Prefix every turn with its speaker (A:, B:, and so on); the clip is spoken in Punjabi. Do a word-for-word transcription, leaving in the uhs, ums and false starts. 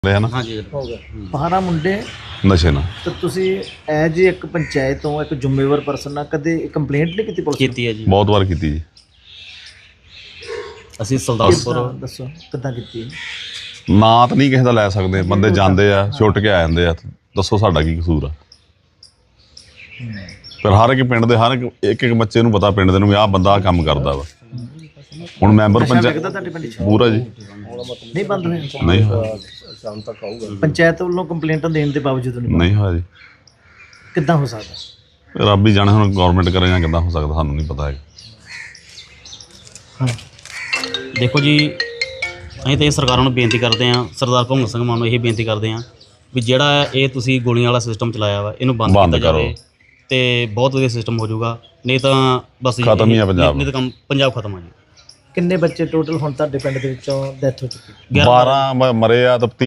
A: ਕਰਤੇ ਹੈ ਨਾ।
B: ਹਾਂਜੀ
C: ਹੋ ਗਿਆ ਬਾਰਾਂ ਮੁੰਡੇ
A: ਨਸ਼ੇ ਨਾਲ।
C: ਤਾਂ ਤੁਸੀਂ ਐਜ ਇੱਕ ਪੰਚਾਇਤ ਤੋਂ ਇੱਕ ਜ਼ਿੰਮੇਵਾਰ ਪਰਸਨ ਨਾਲ ਕਦੇ ਕੰਪਲੇਂਟ ਨਹੀਂ ਕੀਤੀ ਪੁਲਿਸ ਨੂੰ?
B: ਕੀਤੀ ਹੈ ਜੀ।
A: ਬਹੁਤ ਵਾਰ ਕੀਤੀ ਜੀ।
B: ਅਸੀਂ ਸੁਲਤਾਨਪੁਰ
C: ਕਿੱਦਾਂ ਦੱਸੋ ਕਿੱਦਾਂ ਕੀਤੀ?
A: ਨਾਂ ਤਾਂ ਨਹੀਂ ਕਿਸੇ ਦਾ ਲੈ ਸਕਦੇ, ਬੰਦੇ ਜਾਂਦੇ ਆ ਛੁੱਟ ਕੇ ਆ ਜਾਂਦੇ ਆ, ਦੱਸੋ ਸਾਡਾ ਕੀ ਕਸੂਰ ਆ। ਪਰ ਹਰ ਇੱਕ ਪਿੰਡ ਦੇ ਹਰ ਇੱਕ ਇੱਕ ਇੱਕ ਬੱਚੇ ਨੂੰ ਪਤਾ ਪਿੰਡ ਦੇ ਨੂੰ ਵੀ ਆਹ ਬੰਦਾ ਆਹ ਕੰਮ ਕਰਦਾ ਵਾ। ਹੁਣ ਮੈਂਬਰ
C: ਨਸ਼ਾ
A: ਪੰਚਾਇਤ
C: ਵਿਕਦਾ ਤੁਹਾਡੇ ਪਿੰਡ 'ਚ?
A: ਪੂਰਾ ਜੀ
C: ਨਹੀਂ ਬੰਦ ਹੋਇਆ?
A: ਨਹੀਂ ਹੋਇਆ,
C: ਪੰਚਾਇਤ ਵੱਲੋਂ ਕੰਪਲੇਂਟਾਂ ਦੇਣ ਦੇ ਬਾਵਜੂਦ ਨਹੀਂ ਬੰਦ?
A: ਨਹੀਂ ਹੋਇਆ ਜੀ।
C: ਕਿੱਦਾਂ ਹੋ ਸਕਦਾ?
A: ਰੱਬ ਹੀ ਜਾਣੇ ਹੁਣ ਗੌਰਮੈਂਟ ਕਰੇ ਜਾਂ ਕਿੱਦਾਂ ਹੋ ਸਕਦਾ, ਸਾਨੂੰ ਨਹੀਂ ਪਤਾ ਹੈਗਾ।
C: ਹਾਂ
B: ਦੇਖੋ ਜੀ, ਅਸੀਂ ਤਾਂ ਇਹ ਸਰਕਾਰਾਂ ਨੂੰ ਬੇਨਤੀ ਕਰਦੇ ਹਾਂ, ਸਰਦਾਰ ਭਗਵੰਤ ਸਿੰਘ ਮਾਨ ਨੂੰ ਇਹ ਬੇਨਤੀ ਕਰਦੇ ਹਾਂ ਵੀ ਜਿਹੜਾ ਇਹ ਤੁਸੀਂ ਗੋਲੀਆਂ ਵਾਲਾ ਸਿਸਟਮ ਚਲਾਇਆ ਵਾ ਇਹਨੂੰ ਬੰਦ
A: ਬੰਦ
B: ਕੀਤਾ
A: ਕਰੋ।
B: ਜਾਵੇ ਤੇ ਬਹੁਤ ਵਧੀਆ ਸਿਸਟਮ ਹੋ ਜਾਊਗਾ। ਨਹੀਂ ਤਾਂ ਬਸ ਜੀ
A: ਖਤਮ ਹੀ ਆ
B: ਇਹ-
A: ਪੰਜਾਬ।
B: ਨਹੀਂ ਤਾਂ ਕੰਮ ਪੰਜਾਬ ਖਤਮ ਆ ਜੀ।
C: ਕਿੰਨੇ ਬੱਚੇ ਟੋਟਲ ਹੁਣ ਤੁਹਾਡੇ ਪਿੰਡ ਦੇ ਵਿੱਚੋਂ ਡੈਥ ਹੋ ਚੁੱਕੀ?
A: ਬਾਰਾਂ ਮ- ਮਰੇ ਆ ਤਾਂ